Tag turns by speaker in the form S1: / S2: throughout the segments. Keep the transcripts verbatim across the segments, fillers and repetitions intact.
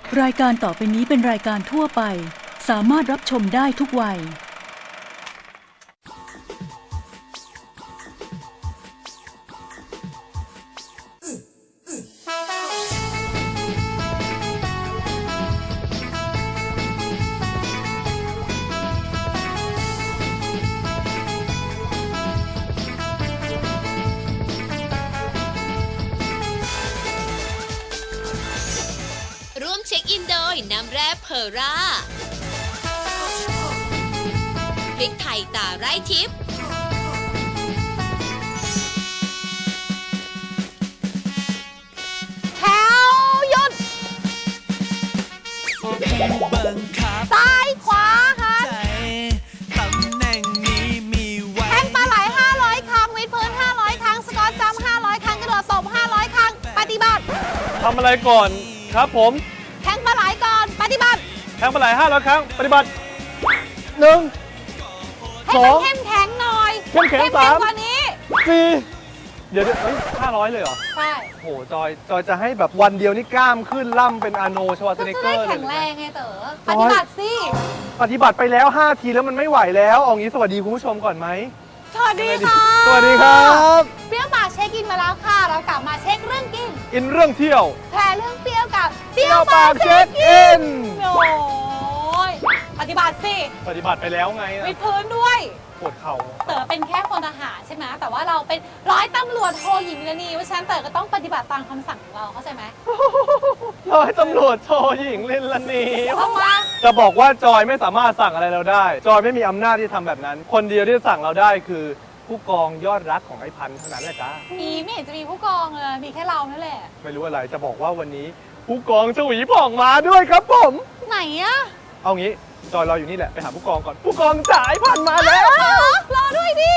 S1: รายการต่อไปนี้เป็นรายการทั่วไปสามารถรับชมได้ทุกวัย
S2: ร่วมเช็คอินโดยน้ำแร่เพอร่าพริกไทยตาไร่ทิพย์แถวหยุดซ้ายขวาหัน
S3: ตำแหน่งนี้มีไว้
S2: แทงปลาไหลห้าร้อยครั้งวิดพื้นห้าร้อยครั้งสกอตจัมป์ห้าร้อยครั้งกระโดดตบห้าร้อยครั้งปฏิบัติ
S4: ทำอะไรก่อนครับผม
S2: แทงปลาไหลก่อนปฏิบัติ
S4: แทงปลาไหลห้าร้อยครั้งปฏิบัติหนึ่ง
S2: ให้
S4: สอ
S2: มัน
S4: ง
S2: เข้มแข็งหน่อย
S4: เข้มแข็ง
S2: เข้ม
S4: สาม
S2: กว่านี้
S4: สี่เดี๋ยวเดี๋ยวเฮ้ยห้าร้อยเลยเหรอ
S2: ใช่
S4: โหจอยจอยจะให้แบบวันเดียวนี่กล้ามขึ้นล่ำเป็นอาโนชวาส
S2: ก็
S4: เน
S2: จะ
S4: เกอ
S2: ได้
S4: ร์เล
S2: แข็
S4: ย
S2: งแรงไงเต๋อ
S4: จ
S2: ป
S4: อย
S2: ฏิบัติสิ
S4: ปฏิบัติไปแล้วห้าทีแล้วมันไม่ไหวแล้วเอางี้สวัสดีคุณผู้ชมก่อนไหม
S2: สวัสดีค่ะ
S4: สวัสดีครับ
S2: เปรี้ยวปากเช็คอินมาแล้วค่ะ เรากลับมาเช็คเรื่องกิน
S4: อินเรื่องเที่ยว
S2: แพรเรื่องเปรี้ยวกับ
S4: เที่ยวปากเช็คอิน
S2: โอ้ยปฏิบัติสิ
S4: ปฏิบัติไปแล้วไงอะ
S2: วิดพื้นด้วย
S4: ปวดเข่า
S2: เต๋อเป็นแค่พลทหารใช่ไหมแต่ว่าเราเป็นร้อยตำรวจโทหญิงเลนีเพราะฉะนั้นเต๋อก็ต้องปฏิบัติตามคำสั่งของเราเข้าใจไหม
S4: ร้อยตำรวจโทหญิงลินลานี
S2: ทำไม
S4: จะบอกว่าจอยไม่สามารถสั่งอะไรเราได้ จอยไม่มีอำนาจที่ทำแบบนั้น คนเดียวที่สั่งเราได้คือ ผู้กองยอดรักของไอ้พันธุ์เท่านั้นแหละจ้า
S2: มีไม่เห็นจะมีผู้กองเลยมีแค่เรานั่นแหละ
S4: ไม่รู้อะไรจะบอกว่าวันนี้ ผู้กองชวีผ่องมาด้วยครับผม
S2: ไหนอะ
S4: เอางี้จอยรออยู่นี่แหละไปหาผู้กองก่อน ผู้กองจ๋าไอ้พันธุ์มาแล้ว
S2: รอด้วยดิ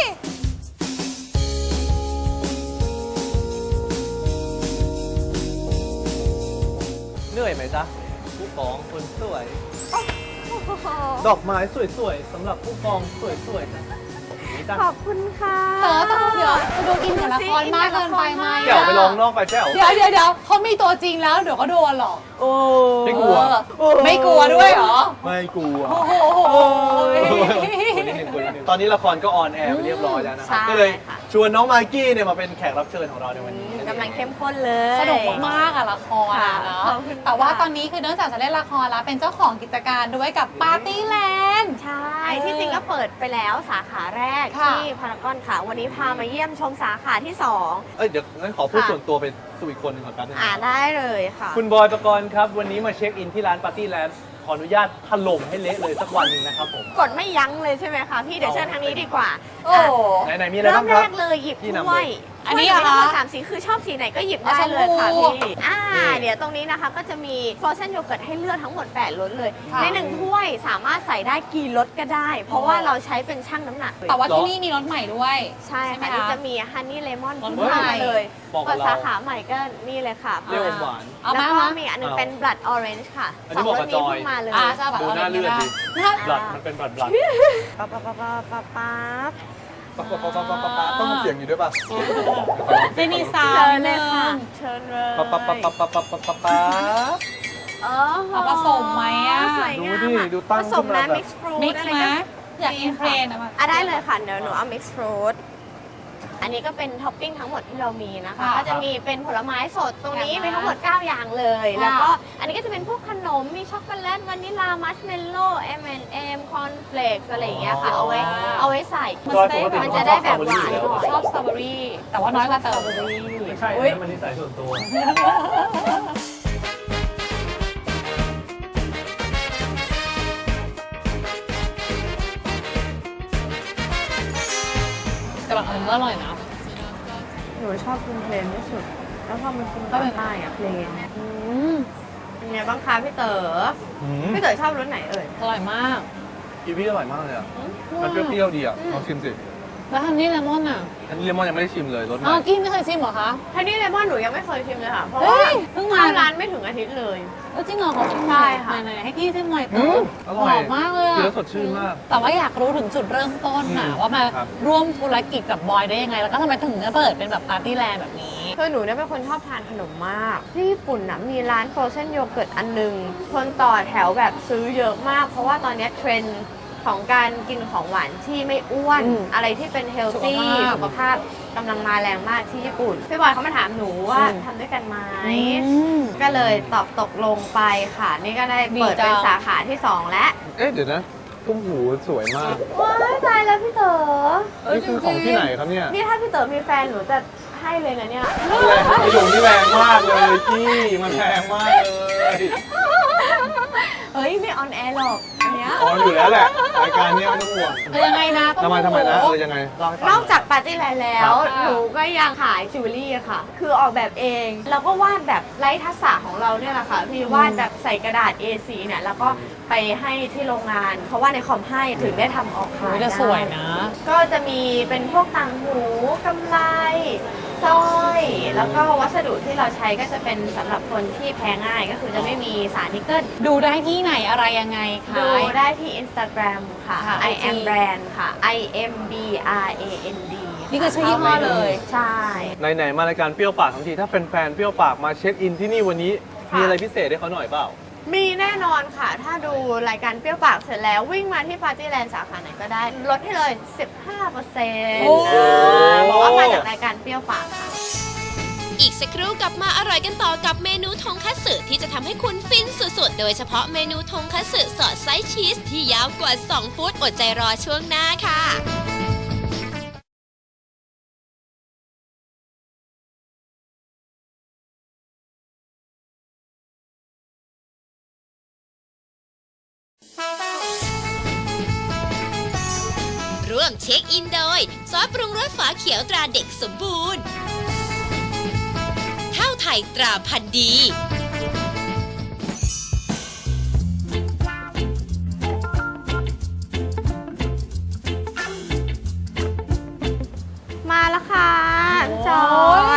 S4: เหนื่อยไหมจ๊ะผู้กองคนสวย ดอกไม้สวยๆสำหรับผู้กองสวยๆนะนี่จ้ะ
S5: ขอบคุณค่ะ
S2: เต๋อต้องเดี๋ยวจะดูกินกับละครมากเกินไปไหม
S4: แก้วไปลองนอกไปแก้ว
S2: เดี๋ยวเดี๋ยวเดี๋ยวเขามีตัวจริงแล้วเดี๋ยวก็โดนหรอก
S5: โอ้
S4: ไม่กลัว
S2: เออไม่กลัวด้วยเหรอ
S4: ไม่กลัว
S2: โอ้โห
S4: คนนิดนึงคนนิดนึงตอนนี้ละครก็ออนแอร์ไปเรียบร้อยแล้วนะครับ
S5: ใช่
S4: ก็เลย
S5: ค่ะ
S4: ชวนน้องมากกี้เนี่ยมาเป็นแขกรับเชิญของเราในวันนี้
S5: กำลังเข้มข้นเลย
S2: สนุกมากๆอะละครอะเนาะ
S5: ขอบคุณค่ะ
S2: แต่ว่าตอนนี้คือเนื่องจากจะเล่นละครแล้วเป็นเจ้าของกิจการด้วยกับปาร์ตี้แลนด์
S5: ใช่ ที่จริงก็เปิดไปแล้วสาขาแรก
S2: ค่ะ
S5: ที่พารากอนค่ะ วันนี้พามาเยี่ยมชมสาขาที่สอง
S4: เอ้ยเดี๋ยวงั้นขอพูด
S5: ค่ะ
S4: ส่วนตัวไปสู่อีกคนหนึงก่อนแป๊บนึง
S5: อ่าได้เลยค่ะ
S4: คุณบอยประกรณ์ครับ วันนี้มาเช็คอินที่ร้านปาร์ตี้แลนด์ขออนุญาตถล่มให้เละเลยสักวันหนึ่งนะครับผม
S5: กดไม่ยั้งเลยใช่ไหมคะพี่เดี๋ยวเชิญทางนี้ดีกว่า
S2: โอ้
S4: ไหนๆมีอะไร
S5: เริ่
S4: บ้าม งค
S5: แร
S4: รับ
S5: กเลยหยิบ
S4: พี่นำ
S5: ถ้วย
S4: เลย
S2: อันนี้
S5: ถ้วย
S2: เหรอ
S5: มีทั้งหมด
S2: คะ
S5: สามสีคือชอบสีไหนก็หยิบได้
S2: เอาชม
S5: เลยค่ะ
S2: พู
S5: พี่อ่า
S4: นี่
S5: เดี๋ยวตรงนี้นะคะก็จะมีฟรอเซนโยเกิร์ตให้เลือกทั้งหมดแปดรสเลย
S2: ค่ะ
S5: ในหนึ่งถ้วยสามารถใส่ได้กี่รสก็ได้ เพราะว่าเราใช้เป็นช่างน้ำหนักเลย
S2: แต่ว่าที่นี่มีรถใหม่ด้วย
S5: ใช่
S2: ใช่ไหม
S5: ค่ะ
S2: คะ
S5: นี่จะมีฮันนี่เลมอน
S2: รส
S5: เพิ่ม
S2: ใหม่
S5: มาเลย
S4: บอกกั
S5: เปิ
S4: บ
S5: ด
S4: เรา
S5: สาขาใหม่ก็นี่เลยค่ะ
S4: เปรี้ยวอมหวาน
S2: เอา
S5: แล้ว
S2: มา
S5: ก็
S2: มา
S5: มีอันนึง
S4: เอา
S5: เป็น blood orange ค่ะ
S4: อัน
S5: ส
S4: นี้
S5: อง
S4: บอก
S5: ร
S4: กั
S5: ส
S4: บจอย
S5: นี้เพิ่งมาเลย
S2: อ่าจะแบบ
S4: ดูหน้าเลือดดิ
S2: น่า
S4: บลัดมันเป็นบลัดบลัด
S5: ปั๊บปั๊บปั๊บปั๊บปั๊บ
S4: ปั๊บปั๊บปั๊บปั๊บปั๊บปั๊บต้องมีเสียงอยู่ด้วยป่ะ
S2: จะมีซาว
S5: เชิญ
S2: ด์
S5: เล
S2: เลย ย
S5: ค่ะ
S2: ค่ะ
S5: เชิญเลย
S4: ปั๊บปั๊บปั๊บปั๊บปั๊บปั๊บปั๊บปั๊บปั๊บ
S5: เออ
S2: เอาผสมไหมอะ
S5: สวยงาม
S4: ดูดิ
S5: อะ
S4: ดูตั้ง
S5: ผสม
S4: ขึ้นมา
S5: นะ
S4: แบบ
S5: mix fruit
S2: มิก
S5: อะไร
S2: ซ์ไหม
S5: ก็
S2: อยากอินเทรนด์อะมา
S5: อ่ะได้เลยค่ะเดี๋ยวหนูเอา mix fruit อันนี้ก็เป็นท็อปปิ้งทั้งหมดที่เรามีนะคะ
S2: ค่ะ
S5: ก็จะมีเป็นผลไม้สดตรงนี้
S2: ค่ะ
S5: มีทั้งหมดเก้าอย่างเลย
S2: ค่ะ
S5: แล้วก็อันนี้ก็จะเป็นพวกขนมมีช็อกโกแลตวานิลลามัชเมลโล่ เอ็ม แอนด์ เอ็ม คอนเฟลกอะไรอย่างเงี้ยค่ะเอาไว้เอาไว้ใส่
S4: จอยปกติ
S5: มันจะได้แบบหวานหน่อย
S2: ชอบสตรอเบอรี่แต่ว่าน้อยกว่าเติม
S4: ไม่ใช่อันนั้นมันนิสัยส่วนตัว
S2: แต่บางอันก็อร่อยนะ
S5: หนูชอบกินเพลนที่สุด แล้วพอมันกิน
S2: ก็เป็น
S5: ใต้อะเพลนเป็นไงบ้างคะพี่เต๋อ
S4: อืม
S5: พี่เต๋อชอบรสไหนเอ่ย
S2: อร่อยมาก
S4: กีวีอร่อยมากเลยอ่ะ มันเปรี้ยวๆดีอ่ะลองชิมสิ
S2: แล้วฮันนี่เลมอนอ่ะ
S4: อันนี้เลมอนยังไม่ได้ชิมเลยรสให
S2: อ้าว
S4: ม่
S2: กี้ไม่เคยชิมเหรอคะ
S5: ฮันนี่เลมอนหนูยังไม่เคยชิมเลยค่ะ เพราะ
S2: เฮ้
S5: ว่าย
S2: เพิ่งมา
S5: เข้าร้านไม่ถึงอาทิตย์เลย
S2: เออจริงเหรอขอชิมห
S5: ใช่
S2: น่อย
S5: ค่ะ
S2: ไหนๆให้กี้ชิมหน่อย
S4: อื
S2: เต๋อ
S4: มอร่อย
S2: หอมมากเลย
S4: กิน
S2: อะ
S4: แล้วสดชื่นมาก
S2: แต่ว่าอยากรู้ถึงจุดเริ่มต้นน่ะ
S4: อืม
S2: ว่ามา
S4: ครับ
S2: ร่วมธุรกิจกับบอยได้ยังไง แล้วก็ทำไมถึงจะเปิดเป็นแบบปาร์ตี้แลนด์แบบนี้
S5: คือหนูเนี่ยเป็นคนชอบทานขนมมากที่ญี่ปุ่นนะมีร้านโฟรเซนโยเกิร์ตอันหนึงคนต่อแถวแบบซื้อเยอะมาก เพราะว่าตอนนี้เทรนด์ของการกินของหวานที่ไม่อ้วน
S2: อืม
S5: อะไรที่เป็นเฮลตี้
S2: สุขภาพ
S5: สุขภาพกำลังมาแรงมากที่ญี่ปุ่นพี่บอยเขามาถามหนูว่า
S2: อืม
S5: ทำด้วยกันไหม
S2: อืม
S5: ก็เลยตอบตกลงไปค่ะ นี่ก็ได้เปิด
S2: ดีจัง
S5: เป็นสาขาที่สองแล้ว
S4: เอ๊ะเดี๋ยวนะตุ้มหูสวยมาก
S5: ว้ายตายแล้วพี่เต๋อ
S4: นี่คือของที่ไหนครับเนี่ย
S5: นี่ถ้าพี่เต๋อมีแฟนหนูจะให้เลยนะเนี่ย
S4: แรงประโยคนี้แรงมากเลยพี่มันแรงมากเลย
S5: เฮ้ยไม่ออนแอร์หรอกอันเนี้ย
S4: ออนอยู่แล้วแหละรายการเนี้ยไม่ต้องห่วง
S2: เออยังไงนะต้อง
S4: ทำไมทำไมนะเออยังไงเล่าให้ฟัง
S5: นอกจากปาร์ตี้ไลน์แล้ว
S2: ครับ
S5: หนูก็ยังขายจิวเวลรี่อะค่ะ คือออกแบบเอง แล้วก็วาดแบบไร้ทักษะของเราเนี่ยแหละค่ะ พี่วาดแบบใส่กระดาษ เอ โฟร์ เนี่ย แล้วก็ไปให้ที่โรงงาน เพราะว่าในคอมให้ถึงได้ทำออกขาย
S2: โอ้ย
S5: ได้
S2: จะสวยนะ
S5: ก็จะมีเป็นพวกต่างหูกำไลสร้อย แล้วก็วัสดุที่เราใช้ก็จะเป็นสำหรับคนที่แพ้ง่าย ก็คือจะไม่มีสารนิกเกิล
S2: ดูได้ที่ไหนอะไรยังไงคะ
S5: ดูได้ที่ Instagram ค่ะ
S2: ค่ะ
S5: I am brand ค่ะ I M B R A N D
S2: นี่คือชื่อยี่ห้อเลย
S5: ใช่
S4: ไหนๆมารายการเปรี้ยวปากทั้งทีถ้าแฟนๆเปรี้ยวปากมาเช็คอินที่นี่วันนี้
S5: ค่ะ
S4: มีอะไรพิเศษให้เขาหน่อยเปล่า
S5: มีแน่นอนค่ะ ถ้าดูรายการเปรี้ยวปากเสร็จแล้ววิ่งมาที่ปาร์ตี้แลนด์สาขาไหนก็ได้ ลดให้เลย สิบห้าเปอร์เซ็นต์
S2: โอ้
S5: บอกว่ามาจากรายการเปรี้ยวปากค่ะ
S6: อีกสักครู่กลับมาอร่อยกันต่อกับเมนูทงคัตสึที่จะทำให้คุณฟินสุดๆ โดยเฉพาะเมนูทงคัตสึสอดไส้ชีสที่ยาวกว่า สอง ฟุตอดใจรอช่วงหน้าค่ะ ร่วมเช็คอินโดยซอสปรุงรสฝาเขียวตราเด็กสมบูรณ์ข้าวไทยตราพันธุ์ดี
S5: มาแล้วค่ะพี่จอย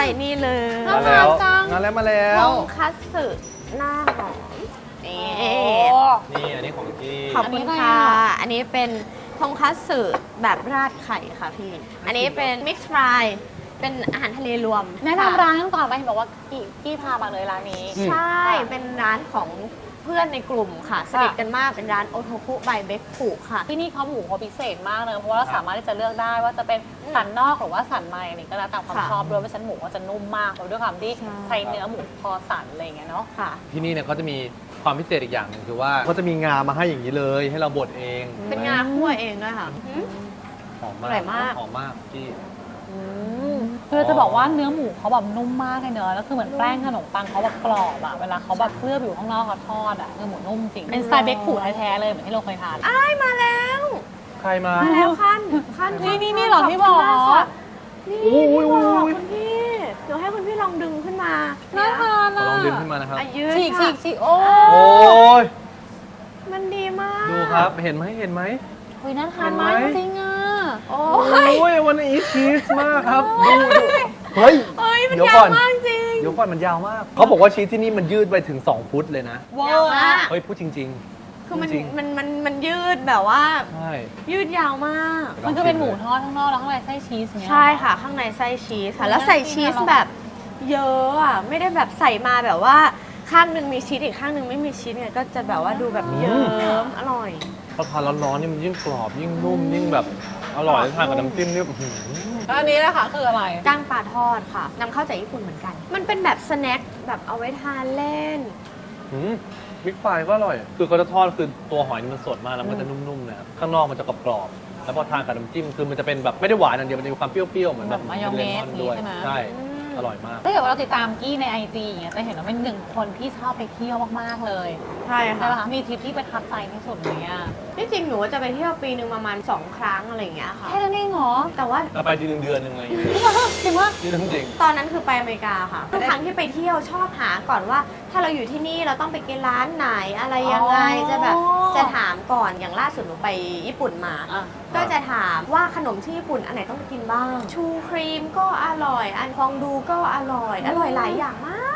S5: นี่เลย
S4: มาแล้วมาแล้วมาแล้
S5: ท
S4: ว
S5: งคัตสึหน้าหอมนี่
S4: นี่อันนี้ของกี้
S5: ขอบคุณค่ะ อันนี้เป็นทงคัตสึแบบราดไข่ค่ะพี่ อันนี้เป็นมิกซ์ฟราย เป็นอาหารทะเลรวม
S2: แนะ
S5: ค่ะ
S2: นำร้านก่อนไปเห็นบอกว่ากี่กี่พามาเลยร้านนี้
S5: ใช่ เป็นร้านของเพื่อนในกลุ่มค่ะ สนิทกันมาก เป็นร้านโอโทคุบายเบคคุค่ะ
S2: ที่นี่เขาหมูเขาพิเศษมากเลยเพราะว่าเราสามารถที่จะเลือกได้ว่าจะเป็นสันนอกหรือว่าสันในอันนี้ก็แล้วแต่ความ
S5: ค่ะ
S2: ชอบด้วยเพราะฉะนันหมูก็จะนุ่มมากแล้วด้วยความที่
S5: ใช่
S2: ใช้เนื้อหมูพอสันอะไรอย่างเงี้ยเนาะ
S5: ค่ะ
S4: ที่นี่เนี่ยเขาจะมีความพิเศษอีกอย่างหนึ่งคือว่าเขาจะมีงามาให้อย่างนี้เลย ให้เราบดเอง
S5: เป็นงาคั่วเองด้วยค่ะอืม
S4: หอมมาก
S5: อร่อยมาก
S4: หอมมากกี้
S2: คือจะบอกว่าเนื้อหมูเขาแบบนุ่มมากเลยเนอะแล้วคือเหมือนแป้งขนมปังเขาแบบกรอบอะเวลาเขาแบบเคลือบอยู่ข้างนอกเขาทอดอะคือหมูนุ่มจริงเป็นสไตล์เบคผูแท้ๆเลยเหมือนที่เราเคยทาน
S5: อ้ายมาแล้ว
S4: ใครมา
S5: มาแล้วขั้นขั้น
S2: นี่นี่นี่เหรอพี่บอก
S5: ขบคุณมากค่ะนี่
S4: โอ้ย
S5: พี่บอก
S4: โอ้ย
S5: คุณพี่เดี๋ยวให้คุณพี่ลองดึงขึ้นมา
S2: น่าทาน
S4: ขอ
S2: อะ
S4: ลองดึงขึ้นมานะครับ
S5: อ่ะยืด
S2: ฉีกฉี
S5: ค่ะ
S2: กฉีกโอ้
S4: โอ้ย
S5: มันดีมาก
S4: ดูครับ เห็นไหมเห็นไหม
S2: คุยน่าทานมาก
S4: เห็นไหม
S2: จริงๆอะ
S5: โอ้
S4: โอ้
S5: ย
S4: ยวันนี้ชีสมากครับ ดูดูเฮ้ย
S5: เอ้ยมัน
S4: เดี๋ยว
S5: ยา
S4: ก่
S5: ว
S4: อน
S5: มากจริง
S4: เดี๋ยวก่อนมันยาวมาก เขาบอกว่าชีสที่นี่มันยืดไปถึง สอง ฟุตเลยนะ
S2: เวอย
S5: าว
S2: ร์
S5: มาก
S4: เฮ้ย พูดจริง
S5: คือมัน
S4: จริง
S5: มันมันมันยืดแบบว่า
S4: ๆ ใช่
S5: ยืดยาวมาก
S2: มันก็เป็นหมูทอดข้างนอกแล้วข้างในไส้ชีสเนี่ย
S5: ใช่ค่ะ ข้างในไส้ชีสค่ะ แล้วใส่ชีสแบบเยอะอ่ะ ไม่ได้แบบใส่มาแบบว่าข้างหนึ่งมีชีสอีกข้างหนึ่งไม่มีชีสเนี่ยก็จะแบบว่าดูแบบเยิ้มอร่อย
S4: พอทานร้อนๆนี่มันยิ่งกรอบยิ่งนุ่มยิ่งแบบอร่อยทานกับน้ำจิ้มนี่อื้อหือ
S2: แล้วอันนี้นะคะคืออะไร
S5: ก้างปลาทอดค่ะนำเข้าจากญี่ปุ่นเหมือนกัน มันเป็นแบบสแน็คแบบเอาไว้ทานเล่น
S4: หืมมิกไฟก็อร่อย คือเขาจะทอดคือตัวหอยนี่มันสดมากแล้วมันจะนุ่มๆนะครับข้างนอกมันจะกรอบๆแล้วพอทานกับน้ำจิ้มคือมันจะเป็นแบบไม่ได้หวานอย่างเดียวมันจะมีความเปรี้ยวๆเหมือนแบบ
S2: แบบมายองเนส
S4: ลมด้วย
S2: ใช่ไหม
S4: ใช่ อร่อยมาก
S2: ถ้าเกิดว่าเราติดตามกี้ในไอจีอย่างเงี้ยจะเห็นว่าเป็นหนึ่งคนที่ชอบไปเที่ยวมากๆเลย
S5: ใช่
S2: ใช่
S5: ค่ะ
S2: ไหมคะมีทริปที่ประทับใจที่สุดอย่างเงี้ย
S5: ที่จริงหนูจะไปเที่ยวปีหนึ่งประมาณสองครั้งอะไรอย่างเงี้ยค่ะ
S2: แค่นั้นเองเหรอ
S5: แต่ว่า
S4: เราไปทีหนึ่งเดือนหนึ่งอะไรอย่างเงี้ย
S2: จริงว่า
S4: นี่เรื่องจริง
S5: ตอนนั้นคือไปอเมริกาค่ะทุกครั้งที่ไปเที่ยวชอบหาก่อนว่า ถ้าเราอยู่ที่นี่เราต้องไปกินร้านไหนอะไรยังไง
S2: อ๋อ
S5: จะแบบจะถามก่อนอย่างล่าสุดหนูไปญี่ปุ่นมา
S2: อ่ะ
S5: ก็จะถามว่าขนมที่ญี่ปุ่นอันไหนต้องกินบ้าง ชูครีมก็อร่อย อันฟองดูก็อร่อย อร่อยหลายอย่างมาก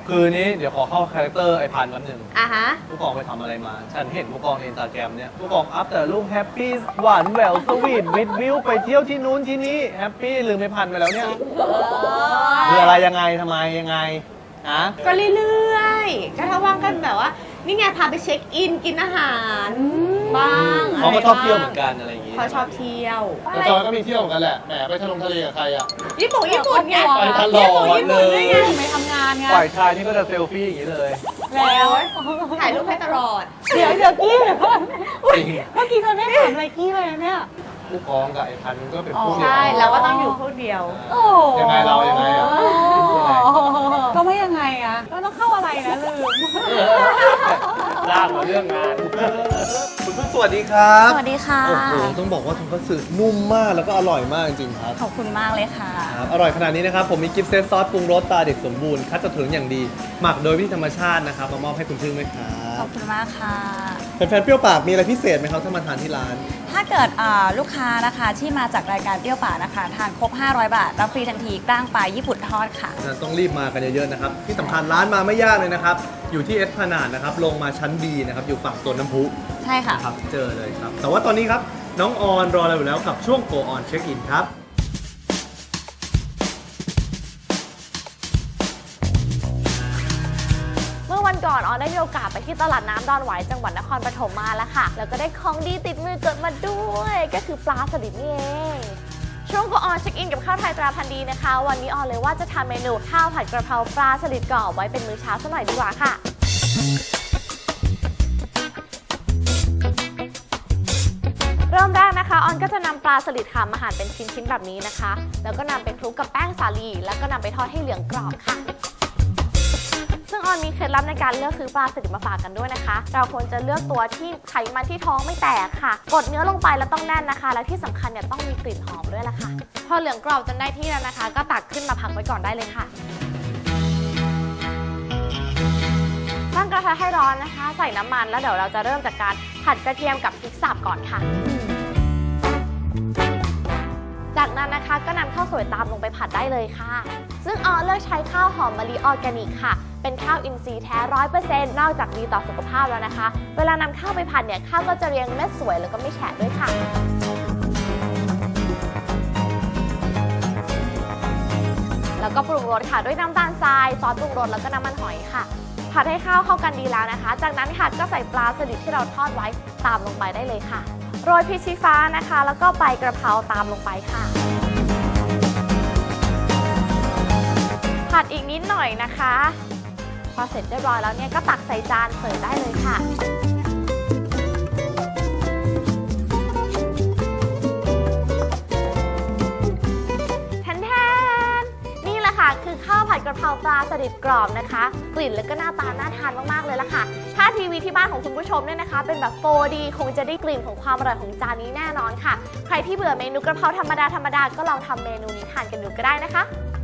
S4: คือนี้เดี๋ยวขอเข้าคาแรคเตอร์ไอพันแป๊บหนึง
S5: อ่ะฮะ
S4: ผู้กองไปทำอะไรมา ฉันเห็นผู้กองในอินสตาแกรมเนี่ยผู้กองอัพแต่รูปแฮปปี้หวานแหววสวีทวิดวิวไปเที่ยวที่นู้นที่นี่แฮปปี้ลืมไอพันไปแล้วเนี่ยคืออะไรยังไงทำไมยังไงฮะ
S5: ก็เรื่อยๆ ก็ถ้าว่างกันแบบว่า นี่ไงพาไปเช็คอินกินอาหารบ้าง
S4: เขาก็ชอบเที่ยวเหมือนกันอะไรอย่างงี้
S5: เขาชอบเที่ยว
S7: แต่จอยก็มีเที่ยวเหมือนกันแหละ แหมไปทะลงทะเลกับใครอ่ะ
S5: ญี่ปุ่นญี่ปุ่นไง
S7: ไปตลอด
S5: ญี่ปุ่นด้วยไง
S2: ไปทำงานไง
S4: ฝ่ายชายนี่ก็จะเซลฟี่อย่างนี้เลย
S2: แล้ว
S5: ถ่ายรูปให้ตลอด
S2: เดี๋ยวเดี๋ยวกี้เดี๋ยวก่อน
S4: จริง
S2: เมื่อกี้เธอไม่ถามอะไรกี้เลยนะเนี่ย
S4: ผู้กองกับไอพันก็เป็นผู้เดียว
S5: ใช่เราก็ต้องอยู่พวกเดียว
S2: โอ้
S4: ยังไงเรายังไงอะ
S2: ก็ไม่ยังไงอะก็ต้องเข้าอะไรนะลืม
S4: ลากมาเรื่องงาน คุณพึ่งสวัสดีครับ
S8: สวัสดีค่ะ
S7: โอ้โห ต้องบอกว่าทงคัตสึนุ่มมากแล้วก็อร่อยมากจริงๆครับ
S8: ขอบคุณมากเลยค่ะ
S4: ครับอร่อยขนาดนี้นะครับ ผมมีกิฟต์เซตซอสปรุงรสตาเด็กสมบูรณ์ คัดจากถุงอย่างดี หมักโดยวิธีธรรมชาตินะครับมามอบให้คุณพึ่งด้วยครั
S8: ข
S4: บ
S8: อบคุณมากค่ะ
S7: แฟนๆเปรี้ยวปากมีอะไรพิเศษไหมครับถ้ามาทานที่ร้าน
S8: ถ้าเกิดอ่าลูกค้านะคะที่มาจากรายการเปรี้ยวป่ากนะคะ ทานครบ ห้าร้อย บาท รับฟรีทันทีกล้างปลาญี่ปุ่นทอดค่ะ
S7: ต้องรีบมากันเยอะๆนะครับ ที่สำคัญร้านมาไม่ยากเลยนะครับ อยู่ที่เอสพนาดนะครับ ลงมาชั้น B นะครับ อยู่ฝั่งโซนน้ำพุ
S8: ใช่ค่ะ
S7: นะครับ เจอเลยครับ แต่ว่าตอนนี้ครับ น้องออนรอเราอยู่แล้วกับช่วง Go On Check In ครับ
S9: เมื่อวันก่อนออนได้มีโอกาสไปที่ตลาดน้ำดอนหวายจังหวัดนครปฐมมาแล้วค่ะ แล้วก็ได้ของดีติดมือเกิดมาด้วย ก็คือปลาสลิดนี่เอง ช่วงก็ออนเช็คอินกับข้าวไทยตราพันธุ์ดีนะคะ วันนี้ออนเลยว่าจะทำเมนูข้าวผัดกระเพราปลาสลิดกรอบไว้เป็นมื้อเช้าสักหน่อยดีกว่าค่ะ เริ่มแรกนะคะออนก็จะนำปลาสลิดค่ะมาหั่นเป็นชิ้นๆแบบนี้นะคะ แล้วก็นำไปคลุกกับแป้งสาลีแล้วก็นำไปทอดให้เหลืองกรอบค่ะ ซึ่งออนมีเคล็ดลับในการเลือกซื้อปลาสลิดมาฝากกันด้วยนะคะ เราควรจะเลือกตัวที่ไขมันที่ท้องไม่แตกค่ะ กดเนื้อลงไปแล้วต้องแน่นนะคะ และที่สำคัญเนี่ยต้องมีกลิ่นหอมด้วยล่ะค่ะ พอเหลืองกรอบจนได้ที่แล้วนะคะ ก็ตักขึ้นมาพักไว้ก่อนได้เลยค่ะ ตั้งกระทะให้ร้อนนะคะ ใส่น้ำมันแล้วเดี๋ยวเราจะเริ่มจากการผัดกระเทียมกับพริกสับก่อนค่ะ จากนั้นนะคะก็นำข้าวสวยตามลงไปผัดได้เลยค่ะ ซึ่งออนเลือกใช้ข้าวหอมมะลิออร์แกนิกค่ะ เป็นข้าวอินทรีย์แท้ ร้อยเปอร์เซ็นต์ นอกจากดีต่อสุขภาพแล้วนะคะ เวลานำข้าวไปผัดเนี่ยข้าวก็จะเรียงเม็ดสวยแล้วก็ไม่แฉะด้วยค่ะ แล้วก็ปรุงรสค่ะด้วยน้ำตาลทราย ซอสปรุงรสแล้วก็น้ำมันหอยค่ะ ผัดให้ข้าวเข้ากันดีแล้วนะคะ จากนั้นค่ะก็ใส่ปลาสลิดที่เราทอดไว้ตามลงไปได้เลยค่ะ โรยพริกชี้ฟ้านะคะ แล้วก็ใบกระเพราตามลงไปค่ะ ผัดอีกนิดหน่อยนะคะ พอเสร็จเรียบร้อยแล้วเนี่ยก็ตักใส่จานเสิร์ฟได้เลยค่ะ แทนแทนนี่แหละค่ะคือข้าวผัดกระเพราปลาสลิดกรอบนะคะ กลิ่นแล้วก็หน้าตาน่าทานมากๆเลยละค่ะ ถ้าทีวีที่บ้านของคุณผู้ชมเนี่ยนะคะ เป็นแบบ โฟร์ดี คงจะได้กลิ่นของความอร่อยของจานนี้แน่นอนค่ะ ใครที่เบื่อเมนูกระเพราธรรมดาธรรมดาก็ลองทำเมนูนี้ทานกันดูก็ได้นะคะ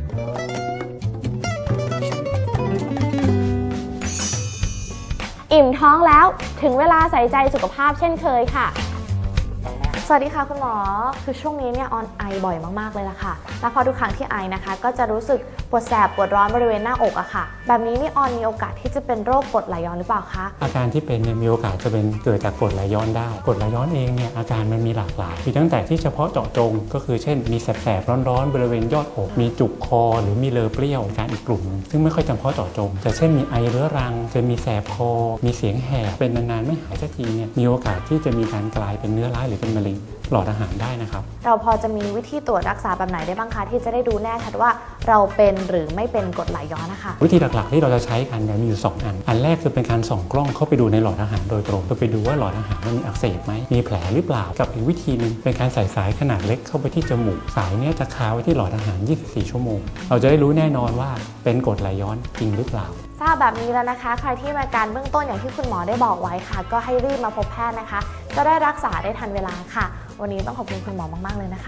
S9: อิ่มท้องแล้วถึงเวลาใส่ใจสุขภาพเช่นเคยค่ะ สวัสดีค่ะคุณหมอ คือช่วงนี้เนี่ยออนไอบ่อยมากๆเลยล่ะค่ะ แล้วพอทุกครั้งที่ไอนะคะ ก็จะรู้สึกปวดแสบปวดร้อนบริเวณหน้าอกอะค่ะ แบบนี้นี่ออนมีโอกาสที่จะเป็นโรคกรดไหลย้อนหรือเปล่าคะ
S10: อาการที่เป็นเนี่ยมีโอกาสจะเป็นเกิดจากกรดไหลย้อนได้กรดไหลย้อนเองเนี่ยอาการมันมีหลากหลายมีตั้งแต่ที่เฉพาะเจาะจงก็คือเช่นมีแสบๆร้อนๆบริเวณยอดอกมีจุกคอหรือมีเลอเปรี้ยวอาการอีกกลุ่ม ซึ่งไม่ค่อยจำเพาะเจาะจงแต่เช่นมีไอเรื้อรังจะมีแสบคอมีเสียงแหบเป็นนานๆไม่หายสักทีเนี่ยมีโอกาสที่จะมีการกลายเป็นเนื้อร้ายหรือเป็นมะเร็งหลอดอาหารได้นะครับ
S9: เราพอจะมีวิธีตรวจรักษาแบบไหนได้บ้างคะที่จะได้ดูแน่ชัดว่าเราเป็นหรือไม่เป็นกรดไหลย้อนนะคะ
S10: วิธีหลักๆที่เราจะใช้กันเนี่ยมีอยู่สองอันอันแรกคือเป็นการส่องกล้องเข้าไปดูในหลอดอาหารโดยตรงเพื่อไปดูว่าหลอดอาหารมันมีอักเสบไหมมีแผลหรือเปล่ากับอีกวิธีหนึงเป็นการใส่สายขนาดเล็กเข้าไปที่จมูกสายเนี้ยจะคาไว้ที่หลอดอาหารยี่สิบสี่ชั่วโมงเราจะได้รู้แน่นอนว่าเป็นกรดไหลย้อนจริงหรือเปล่า
S9: ทราบแบบนี้แล้วนะคะ ใครที่มีอาการเบื้องต้นอย่างที่คุณหมอได้บอกไว้ค่ะ ก็ให้รีบมาพบแพทย์นะคะ จะได้รักษาได้ทันเวลาค่ะ วันนี้ต้องขอบคุณคุณหมอมากๆเลยนะคะ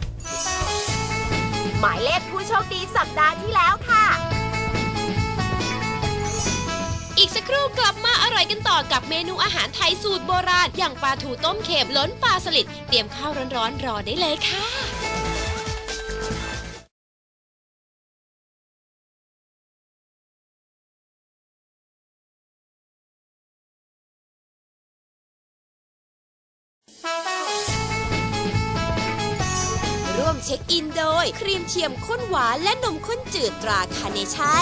S6: หมายเลขผู้โชคดีสัปดาห์ที่แล้วค่ะ อีกสักครู่กลับมาอร่อยกันต่อกับเมนูอาหารไทยสูตรโบราณ อย่างปลาทูต้มเค็มล้นปลาสลิดเตรียมข้าวร้อนๆรอได้เลยค่ะวมเช็คอินโดยครีมเทียมข้นหวานและนมข้นจืดตราคาร์เนชั่น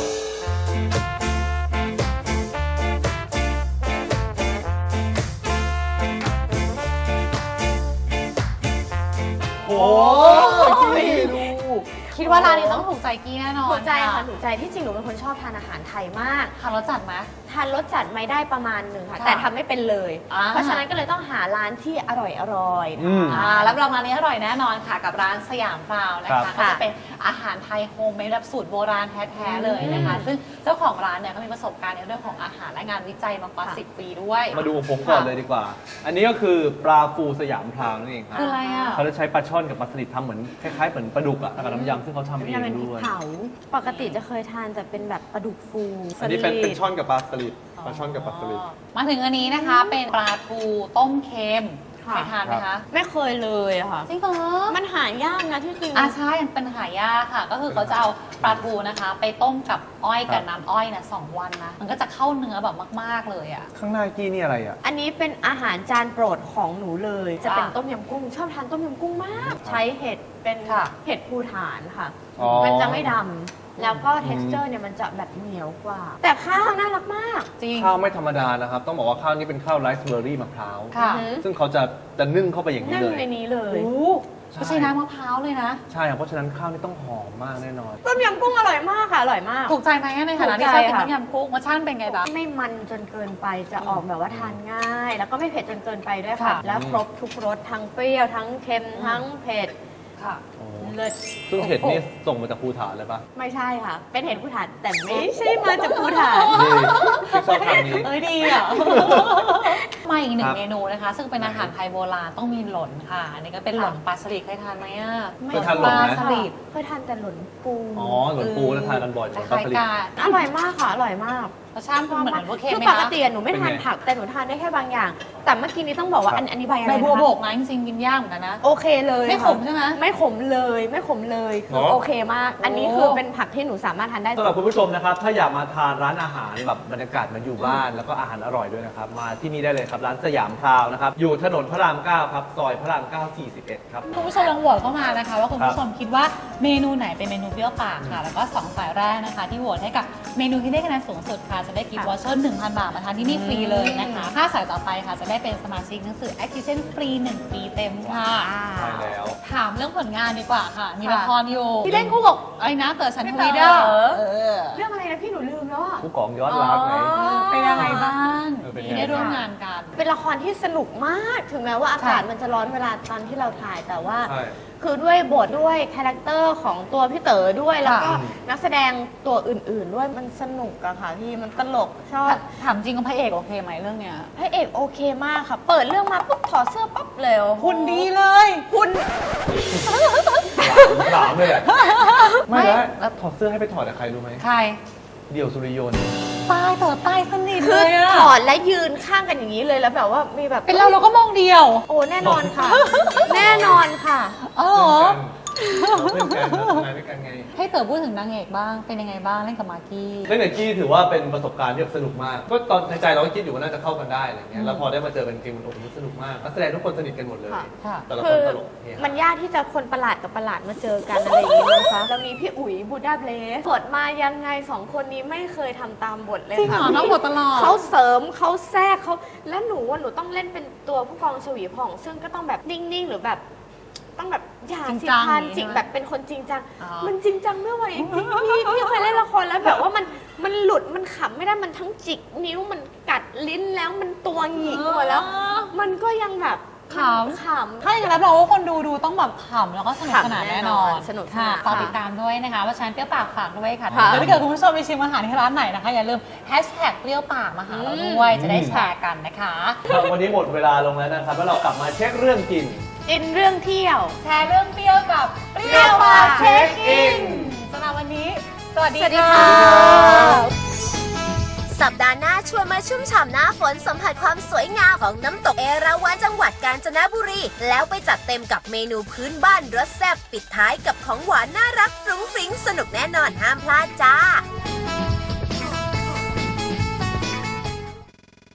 S4: โอ้ยดู
S2: คิดว่าร้านนี้ต้องถูกใจกี้แน่นอน
S5: ถูกใจค่ะถูกใจที่จริงหนูเป็นคนชอบทานอาหารไทยมาก
S2: ทานรสจัดไหม
S5: ทานรสจัดไม่ได้ประมาณหนึ่งค่ะ
S2: ค่ะ
S5: แต่ทำไม่เป็นเลย
S2: อ่า
S5: เพราะฉะนั้นก็เลยต้องหาร้านที่อร่อยอร่อยๆ
S4: อืม
S2: อ่ารับรองร้านนี้อร่อยแน่นอนค่ะกับร้านสยามพราวนะ
S4: ครั
S2: คะ
S4: บ
S2: ก็จะเป็นอาหารไทยโฮมเมดแบบสูตรโบราณแท้ๆเลยนะคะ ซึ่งเจ้าของร้านเนี่ยเขามีประสบการณ์ในเรื่องของอาหารและงานวิจัยมากว่า
S5: ค่ะ
S2: สิบ ปีด้วย
S4: มาดูของผมก่อนเลยดีกว่า อันนี้ก็คือปลาฟูสยามพราวนั่นเองครับ
S2: คืออะไรอ่ะ
S4: เขาจะใช้ปลาช่อนกับปลาสลิดทำเหมือนคล้ายๆเหมือนปลาดุกอะกับน้ำยำซึ่งเขาทำเอง
S5: จะเป็นพริก
S4: ด้วย
S5: เผาปกติจะเคยทานแต่เป็นแบบปลาดุกฟู
S4: อันนี้เป็น
S5: สลิด
S4: เป็นช่อนกับปลาสลิดปลาช่อนกับปลาสลิด
S2: มาถึงอันนี้นะคะเป็นปลาทูต้มเค็มเคยทานไหมคะ
S5: ไม่เคยเลยอะค่ะ
S2: จริงเหรอ
S5: มันหายากนะที่จริง
S2: อาใช่มันเป็นหายากค่ะ ก็คือเขาจะเอาปลาทูนะคะ ไปต้มกับอ้อยกับน้ำอ้อยนะสองวันนะมันก็จะเข้าเนื้อแบบมากๆเลยอ่ะ
S4: ข้างหน้ากี้นี่อะไรอะ
S5: อันนี้เป็นอาหารจานโปรดของหนูเลย จะเป็น
S2: อ่ะ
S5: ต้มยำกุ้ง ชอบทานต้มยำกุ้งมาก ใช้เห็ดเป็น
S2: ค่ะ
S5: เห็ดภูฐานค่ะ
S4: อ๋อ
S5: มันจะไม่ดำแล้วก็ texture เนี่ยมันจะแบบเหนียวกว่า แต่ข้าวน่ารักมาก
S2: จริง
S4: ข้าวไม่ธรรมดานะครับ ต้องบอกว่าข้าวนี้เป็นข้าวไรซ์เบอร์รี่มะพร้าว
S2: ค่ะ
S5: อือฮึ
S4: ซึ่งเขาจะจะนึ่งเข้าไปอย่างนี้
S5: นึ่ง
S4: เลย
S5: ในนี้เลย
S2: โอ้ก็ใช้น้ำมะพร้าวเลยนะ
S4: ใช่ครับเพราะฉะนั้นข้าวนี่ต้องหอมมากแน่นอน
S5: ต้มยำกุ้งอร่อยมากค่ะ อร่อยมาก
S2: ถูกใจไหมในฐานะที่
S5: ถูก
S2: ช
S5: ใจ
S2: อบกิน
S5: ค่ะ
S2: ต้มยำกุ้งรสชาติเป็นไงบ้าง
S5: ไม่มันจนเกินไปจะออกแบบว่าทานง่าย แล้วก็ไม่เผ็ดจนเกินไปด้วยค่ะ
S2: ค่ะ
S5: แล้วครบทุกรสทั้งเปรี้ยวทั้งเค็มทั้งเผ็ด
S2: ค่ะ
S5: เลิศ
S4: ซึ่งเห็ดนี่ส่งมาจากภูฐานเลยปะ
S5: ไม่ใช่ค่ะ เป็นเห็ดภูฐานแต่ไม่ใช่มาจากภูฐาน
S4: นี่ที่ชอบทำนี้
S2: เอ้ยดีอ่ะ มาอีกหนึ่
S4: ครั
S2: ง
S4: บ
S2: เมนูนะคะ ซึ่งเป็นอาหารไทยโบราณต้องมีหล่นค่ะ อันนี้ก็เป็นหล่นปลาสลิดเคยทานไหมอ่ะ
S4: เคยทานหล่นไหม
S2: ปลาสลิด
S5: เคยทานแต่หล่นปู
S4: อ๋อหลนปูแล้วทานกันบ่อยหลน
S2: ค
S4: ปลา
S2: ล้าย
S4: สลิด
S2: ๆกัน
S5: อร่อยมากค่ะ อร่อยมาก
S2: รสชาติมันเหมือนพวกเค็ม
S5: คือ
S2: ไหม
S5: ป
S2: คะ
S5: กติอะหนูไม่ทาน
S4: เป็นไง
S5: ผักแต่หนูทานได้แค่บางอย่าง แต่เมื่อกี้นี้ต้องบอกว่าอันอันนี้ใบอะไร
S2: ใบ
S5: นะ
S2: บัวบ
S5: คะ
S2: กนะจริงๆกินยากเหมือนกันนะ
S5: โอเคเลย
S2: ไม่ขม
S5: ค่ะ
S2: ใช่ไหม
S5: ไม่ขมเลยไม่ขมเลยคือโอเคมาก อันนี้คือเป็นผักที่หนูสามารถทานได้
S4: สำหรับคุณผู้ชมนะครับ ถ้าอยากมาทานร้านอาหารแบบบรรยากาศเหมันอยู่บ้าน แล้วก็อาหารอร่อยด้วยนะครับ มาที่นี่ได้เลยครับ ร้านสยามพราวนะครับ อยู่ถนนพระรามเก้าครับ ซอยพระรามเก้า สี่สิบเอ็ด ครับ
S2: คุณผู้ชมลองโหวตเข้ามานะคะ ว่าคุณผู้ชมคิดว่าเมนูไหนเป็นเมนูเปรี้ยวปากค่ะ แล้วก็สองสายแรกนะคะ ที่โหวตให้กับเมนูที่ได้คะแนนสูงสุดค่ะ จะได้กิฟต์วอเชอร์ หนึ่งพัน บาทมาทานที่นี่ฟรีเลยนะคะถ้าสายต่อไปค่ะจะได้เป็นสมาชิกหนังสือ Acquisition ฟรีหนึ่งปีเต็มค่ะ
S4: ใช่แล้ว
S2: ถามเรื่องผลงานดีกว่าค่ะ มี
S5: ค่ะ
S2: ละครอยู่
S5: ที่เล่นคู่กับ
S2: ไอ้นะเต๋อฉันท
S5: พี่
S2: วี
S5: เต๋
S2: เดอ
S5: อ
S2: ร์เออ
S5: เรื่องอะไรนะพี่หนูลืมแล้วอะ
S4: ผู้กองยอดรักไง
S2: เป็นยังไงบ้าง
S4: เออเป็นไง
S2: ที่ได้ร่วมงานกัน
S5: เป็นละครที่สนุกมาก ถึงแม้ว่าอากาศ
S2: ค่ะ
S5: มันจะร้อนเวลาตอนที่เราถ่ายแต่ว่า
S4: ใช่
S5: คือด้วยบทด้วยคาแรคเตอร์ของตัวพี่เต๋อด้วย แล้วก็
S4: ค่ะ
S5: นักแสดงตัวอื่นๆ ด้วยมันสนุกอะค่ะพี่มันตลกชอบ
S2: ถามจริงว่าพระเอกโอเคไหมเรื่องเนี้ย
S5: พระเอกโอเคมากค่ะ เปิดเรื่องมาปุ๊บถอดเสื้อปั๊บเลยโอ้โห
S2: คุณดีเลย
S5: คุณ
S4: ถามเลยอะ
S2: ไม่
S4: ไม่แล้วแล้วถอดเสื้อให้ไปถอดกับใครรู้ไหม
S2: ใคร
S4: เดี่ยวสุริยนต์
S2: ตายเต๋อตายสนิท
S5: คื
S2: เล
S5: อย
S2: อะ
S5: ถอดและยืนข้างกันอย่างนี้เลยแล้วแบบว่ามีแบบ
S2: เป็นเราเราก็มองเดียว
S5: โอ้แน่นอนค่ะ แน่นอนค่ะ
S2: เออเหรอ
S4: เราเพื่อนกันเราทำงานด้วยกันไง
S2: ให้เต๋อพูดถึงนางเอกบ้าง เป็นยังไงบ้างเล่นกับมากกี้
S4: เล่นกับกี้ถือว่าเป็นประสบการณ์ที่แบบสนุกมาก ก็ตอนในใจเราก็คิดอยู่ว่าน่าจะเข้ากันได้อะไรเงี้ย แล้วพอได้มาเจอกันจริงมันโอ้โหสนุกมากนักแสดงทุกคนสนิทกันหมดเลย
S5: ค่ะ
S2: ค่ะ
S4: แต่ละค
S5: คื
S4: น
S5: อ
S4: ตลกเฮฮา
S5: มันยากที่จะคนประหลาดกับประหลาดมาเจอกันอะไรอย่างนี้นะคะเรามีพี่อุ๋ยบูดาเบลสบทมายังไงสองคนนี้ไม่เคยทำตามบทเลย
S2: จริงเหร
S5: ค่ะ
S2: อน้องบทตลอด
S5: เขาเสริมเขาแทรกเขาแล้วหนูว่าหนูต้องเล่นเป็นตัวผู้กองชวีผ่อง ซึ่งก็ต้องแบบนิ่งๆหรือแบบต้องแบบอย่า
S2: จริง
S5: สิ
S2: จัง
S5: พาน
S2: อย่างนี้
S5: จริง
S2: ใช่ไหม
S5: แบบเป็นคนจริงจัง
S2: อ๋อ
S5: มันจริงจังไม่ไหวจริงๆพี่พี่เคยเล่นละครแล้วแบบว่ามันมันหลุดมันขำไม่ได้มันทั้งจิกนิ้วมันกัดลิ้นแล้วมันตัวหงิกหมดแล้ว มันก็ยังแบบ
S2: ขำ
S5: ขำ
S2: ถ้าอย่างนั้นรับรองว่าคนดูดูต้องแบบขำแล้วก็สนุกสนานแน่นอน
S5: ขำแน่นอนสนุกสนาน
S2: ค่ะ
S5: ค่ะ
S2: ฝากติดตามด้วยนะคะว่าฉันเปรี้ยวปากฝากด้วยค่ะ
S5: ค่ะ
S2: แล้วถ้าเกิดคุณผู้ชมไปชิมอาหารที่ร้านไหนนะคะอย่าลืมแฮชแท็กเปรี้ยวปากมาหาเราด้วยจะได้แชร์กันนะคะ
S4: ครับวันนี้หมดเวลาลงแล้วนะครับ แล้วเรากลับมาเช็คเรื่องกิน
S5: กินเรื่องเที่ยว
S2: แชร์เรื่องเปรี้ยวกับเปรี้ยวปากเช็คอินสำหรับวันนี้ สวัสดี
S5: สวัสดี
S2: ค่ะ
S5: ค่ะ
S6: สัปดาห์หน้าชวนมาชุ่มฉ่ำหน้าฝนสัมผัสความสวยงามของน้ำตกเอราวัณจังหวัดกาญจนบุรี แล้วไปจัดเต็มกับเมนูพื้นบ้านรสแซ่บปิดท้ายกับของหวานน่ารักฟรุ้งฟริ้งสนุกแน่นอนห้ามพลาดจ้า